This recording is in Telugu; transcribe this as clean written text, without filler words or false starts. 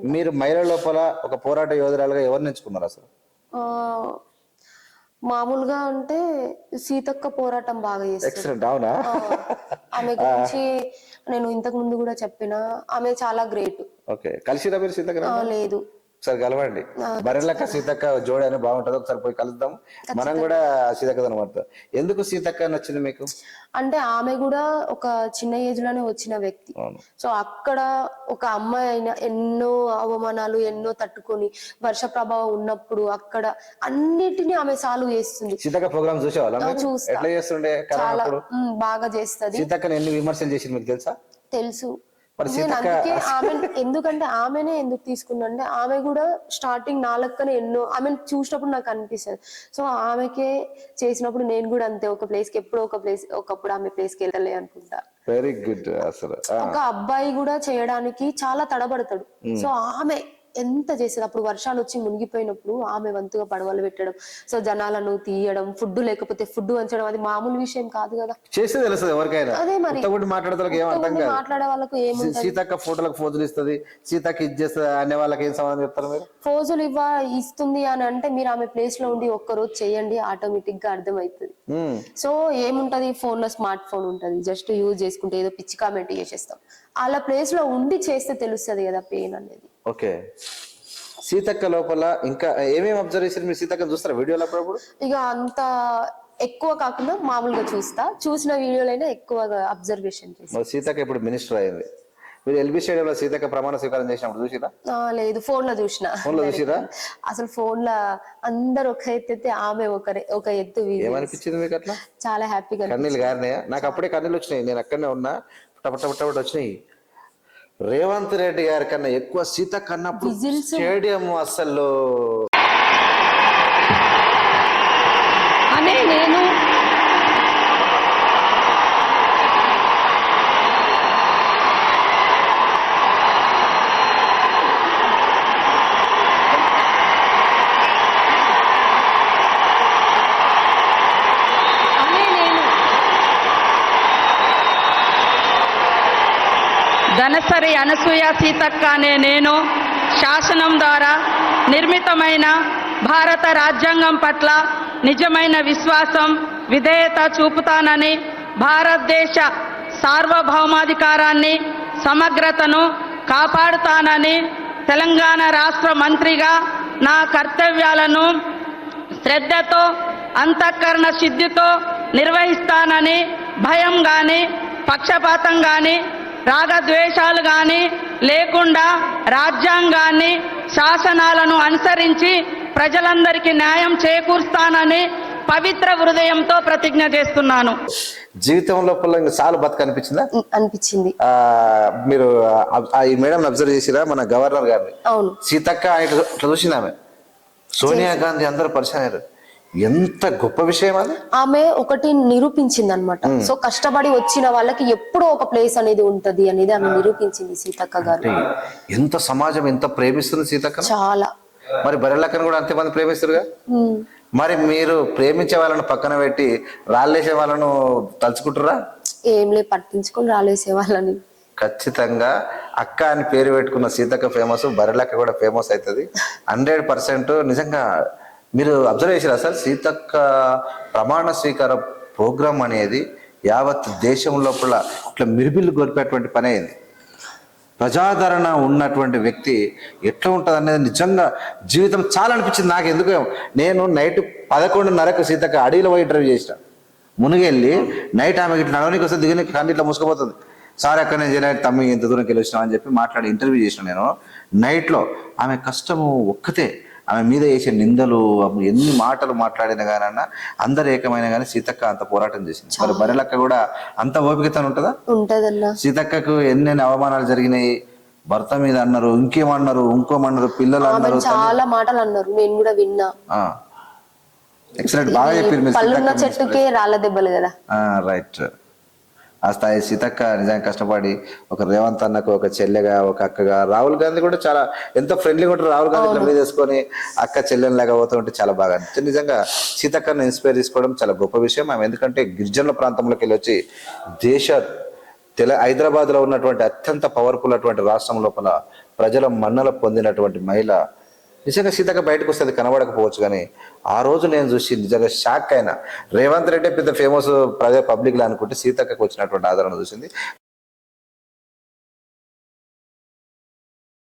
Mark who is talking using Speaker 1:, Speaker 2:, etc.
Speaker 1: అనుకుంటా.
Speaker 2: మీరు మహిళల లోపల ఒక పోరాట యోధురాలుగా ఎవరిని ఎంచుకున్నారు అసలు?
Speaker 1: ఆ, మామూలుగా అంటే సీతక్క పోరాటం బాగా చేస్తారు.
Speaker 2: ఎక్సలెంట్. అవునా?
Speaker 1: ఆమె గురించి నేను ఇంతకు ముందు కూడా చెప్పిన, ఆమె చాలా గ్రేట్.
Speaker 2: ఓకే, కలిసిరా మీరు సీతక్క?
Speaker 1: లేదు.
Speaker 2: ఒకసారి కలవండి. బరెలక్క సీతక్క జోడి అని బాగుంటుంది, ఒకసారి పోయి కలుద్దాం. మనం కూడా సీతక్క అనమాట. ఎందుకు సీతక్క నచ్చింది మీకు?
Speaker 1: అంటే ఆమె కూడా ఒక చిన్న ఏజ్ లోనే వచ్చిన వ్యక్తి. సో అక్కడ ఒక అమ్మాయి అయినా ఎన్నో అవమానాలు ఎన్నో తట్టుకొని వర్ష ప్రభావం ఉన్నప్పుడు అక్కడ అన్నిటినీ ఆమె సాల్వ్ చేస్తుంది.
Speaker 2: సీతక్క ప్రోగ్రామ్ చూసేవాళ్ళ?
Speaker 1: చూస్తా.
Speaker 2: ఎట్లా చేస్తుండే?
Speaker 1: చాలా బాగా చేస్తుంది.
Speaker 2: సీతక్కని ఎన్ని విమర్శలు చేసింది మీకు తెలుసా?
Speaker 1: తెలుసు. నేను అందుకే ఆమె ఎందుకంటే ఆమెనే ఎందుకు తీసుకున్నా, ఆమె కూడా స్టార్టింగ్ నా లెక్కనే ఎన్నో ఆమె చూసినప్పుడు నాకు అనిపిస్తుంది. సో ఆమెకే చేసినప్పుడు నేను కూడా అంతే ఒక ప్లేస్ కి ఎప్పుడో ఒకప్పుడు ఆమె ప్లేస్ కి వెళ్ళలే అనుకుంటా.
Speaker 2: Very good. అసలు
Speaker 1: ఒక అబ్బాయి కూడా చేయడానికి చాలా తడబడతాడు. సో ఆమె ఎంత చేసేది. అప్పుడు వర్షాలు వచ్చి మునిగిపోయినప్పుడు ఆమె వంతుగా పడవలు పెట్టడం, సో జనాలను తీయడం, ఫుడ్ లేకపోతే ఫుడ్ వంచడం, అది మామూలు విషయం కాదు కదా.
Speaker 2: చేస్తే తెలుస్తుంది ఎవరికైనా.
Speaker 1: అదే మరి మాట్లాడే వాళ్ళకు ఏముంది,
Speaker 2: సీతక్క ఫోటోలకు ఫోజులు ఇస్తుంది, సీతక్క ఇది చేస్తుంది అనే వాళ్ళకి ఏం సమాధానం చెప్తారు మీరు?
Speaker 1: ఫోజులు ఇస్తుంది అని అంటే మీరు ఆమె ప్లేస్ లో ఉండి ఒక్కరోజు చేయండి, ఆటోమేటిక్ గా అర్థమవుతుంది. సో ఏముంటది, ఫోన్ లో స్మార్ట్ ఫోన్ ఉంటది, జస్ట్ యూజ్ చేసుకుంటే ఏదో పిచ్చి కామెంట్ చేసేస్తాం. అలా ప్లేస్ లో ఉండి చేస్తే తెలుస్తుంది కదా పెయిన్ అనేది.
Speaker 2: ఓకే, సీతక్క లోపల ఇంకా ఏమేమి అబ్జర్వ్ చేశారు మీరు? సీతక్క చూస్తారా వీడియోలో అప్పుడప్పుడు?
Speaker 1: ఇక అంత ఎక్కువ కాకుండా మామూలుగా చూసిన వీడియోలైనా ఎక్కువగా అబ్జర్వేషన్ చేస్తాను.
Speaker 2: సీతక్క ఇప్పుడు మినిస్టర్ అయింది. మీరు ఎల్బీ స్టేడియంలో సీతక్క ప్రమాణ స్వీకారం చేసినప్పుడు చూసిరా?
Speaker 1: లేదు, ఫోన్ లో చూసిన.
Speaker 2: ఫోన్ లో చూసిరా?
Speaker 1: అసలు ఫోన్ లో అందరు ఒక ఎత్తు, ఆమె ఒక ఎత్తు.
Speaker 2: ఏమనిపించింది మీకు అట్లా?
Speaker 1: చాలా హ్యాపీగా.
Speaker 2: కన్నీళ్ళు గారినాయా? నాకు అప్పుడే కన్నీళ్ళు వచ్చినాయి, నేను అక్కడనే ఉన్నా. పటపట వచ్చినాయి. రేవంత్ రెడ్డి గారి కన్నా ఎక్కువ సీతక్క అన్నప్పుడు స్టేడియం అసలు
Speaker 1: అనే నేను
Speaker 3: ధనసరి అనసూయ సీతక్క అనే నేను శాసనం ద్వారా నిర్మితమైన భారత రాజ్యాంగం పట్ల నిజమైన విశ్వాసం, విధేయత చూపుతానని, భారతదేశ సార్వభౌమాధికారాన్ని, సమగ్రతను కాపాడుతానని, తెలంగాణ రాష్ట్ర మంత్రిగా నా కర్తవ్యాలను శ్రద్ధతో, అంతఃకరణ శుద్ధితో నిర్వహిస్తానని, భయం కానీ పక్షపాతం కానీ రాగద్వేషాలు కానీ లేకుండా రాజ్యాంగాన్ని, శాసనాలను అనుసరించి ప్రజలందరికీ న్యాయం చేకూరుస్తానని పవిత్ర హృదయంతో ప్రతిజ్ఞ చేస్తున్నాను.
Speaker 2: జీవితం లోపల చాలా బతుకు అనిపించిందా?
Speaker 1: అనిపించింది.
Speaker 2: మీరు ఈ మేడం అబ్జర్వ్ చేసిరా? మన గవర్నర్ గారిని.
Speaker 1: అవును.
Speaker 2: సీతక్క ఇట్లా చూసింది ఆమె. సోనియా గాంధీ అందరూ పరిచయం అయ్యారు. ఎంత గొప్ప విషయం అది.
Speaker 1: ఆమె ఒకటి నిరూపించింది అనమాట. సో కష్టపడి వచ్చిన వాళ్ళకి ఎప్పుడో ఒక ప్లేస్ అనేది ఉంటది అనేది ఆమె నిరూపించింది సీతక్క గారు.
Speaker 2: ఎంత సమాజం ఎంత ప్రేమిస్తుంది సీతక్క.
Speaker 1: చాలా.
Speaker 2: మరి బరెలక్కను కూడా అంతమంది ప్రేమిస్తారుగా. మరి మీరు ప్రేమించే వాళ్ళను పక్కన పెట్టి రాళ్ళేసే వాళ్ళను తలుచుకుంటారా?
Speaker 1: ఏం లే, పట్టించుకొని రాళ్ళేసే వాళ్ళని.
Speaker 2: ఖచ్చితంగా అక్క అని పేరు పెట్టుకున్న సీతక్క ఫేమస్, బరెలక్క కూడా ఫేమస్ అవుతుంది 100%. నిజంగా మీరు అబ్జర్వ్ చేశారు అసలు సీతక్క ప్రమాణ స్వీకార ప్రోగ్రాం అనేది యావత్ దేశం లోపల ఇట్లా మిరిబిల్లు గొలిపేటువంటి పని అయింది. ప్రజాదరణ ఉన్నటువంటి వ్యక్తి ఎట్లా ఉంటుంది అనేది నిజంగా జీవితం చాలా అనిపించింది నాకు. ఎందుకు, నేను నైట్ 11:30కు సీతక్క అడవిలో పోయి ఇంటర్వ్యూ చేసిన. మునిగెళ్ళి నైట్ ఆమె ఇట్లా నడవనికి వస్తే దిగని కానీ ఇట్లా మూసుకుపోతుంది. సార్ అక్కడ నేను చేయలేదు తమ్మి, ఇంత దూరంకి వెళ్ళి వచ్చినా అని చెప్పి మాట్లాడి ఇంటర్వ్యూ చేసిన నేను నైట్లో. ఆమె కష్టము ఒక్కతే, ఆమె మీద వేసే నిందలు, ఎన్ని మాటలు మాట్లాడినా కానీ అందరు ఏకమైన కానీ సీతక్క అంత పోరాటం చేసింది. మరి బరెలక్క కూడా అంత ఓపికతో ఉంటుందా?
Speaker 1: ఉంటదన్నా.
Speaker 2: సీతక్కకు ఎన్నెన్ని అవమానాలు జరిగినాయి. భర్త మీద అన్నారు, ఇంకేమన్నారు, ఇంకోమన్నారు, పిల్లలు అన్నారు,
Speaker 1: చాలా మాటలు అన్నారు, నేను కూడా విన్నా.
Speaker 2: ఎక్సలెంట్, బాగా చెప్పారు.
Speaker 1: పళ్ళున్న చెట్టుకే రాళ్ళ దెబ్బలు కదా.
Speaker 2: రైట్. ఆ స్థాయి సీతక్క నిజంగా కష్టపడి ఒక రేవంత్ అన్నకు ఒక చెల్లెగా, ఒక అక్కగా, రాహుల్ గాంధీ కూడా చాలా ఎంతో ఫ్రెండ్లీగా ఉంటారు. రాహుల్ గాంధీ మీద వేసుకొని అక్క చెల్లెనిలాగా పోతూ ఉంటే చాలా బాగా అనిపించింది. నిజంగా సీతక్కను ఇన్స్పైర్ తీసుకోవడం చాలా గొప్ప విషయం. ఆమె ఎందుకంటే గిరిజనుల ప్రాంతంలోకి వెళ్ళి వచ్చి హైదరాబాద్లో ఉన్నటువంటి అత్యంత పవర్ఫుల్ అటువంటి రాష్ట్రం లోపల ప్రజల మన్నల పొందినటువంటి మహిళ నిజంగా సీతక్క బయటకు వస్తుంది కనబడకపోవచ్చు, కానీ ఆ రోజు నేను చూసి నిజంగా షాక్ అయినా. రేవంత్ రెడ్డి పెద్ద ఫేమస్ పబ్లిక్లో అనుకుంటే సీతక్కకు వచ్చినటువంటి ఆదరణ చూసింది.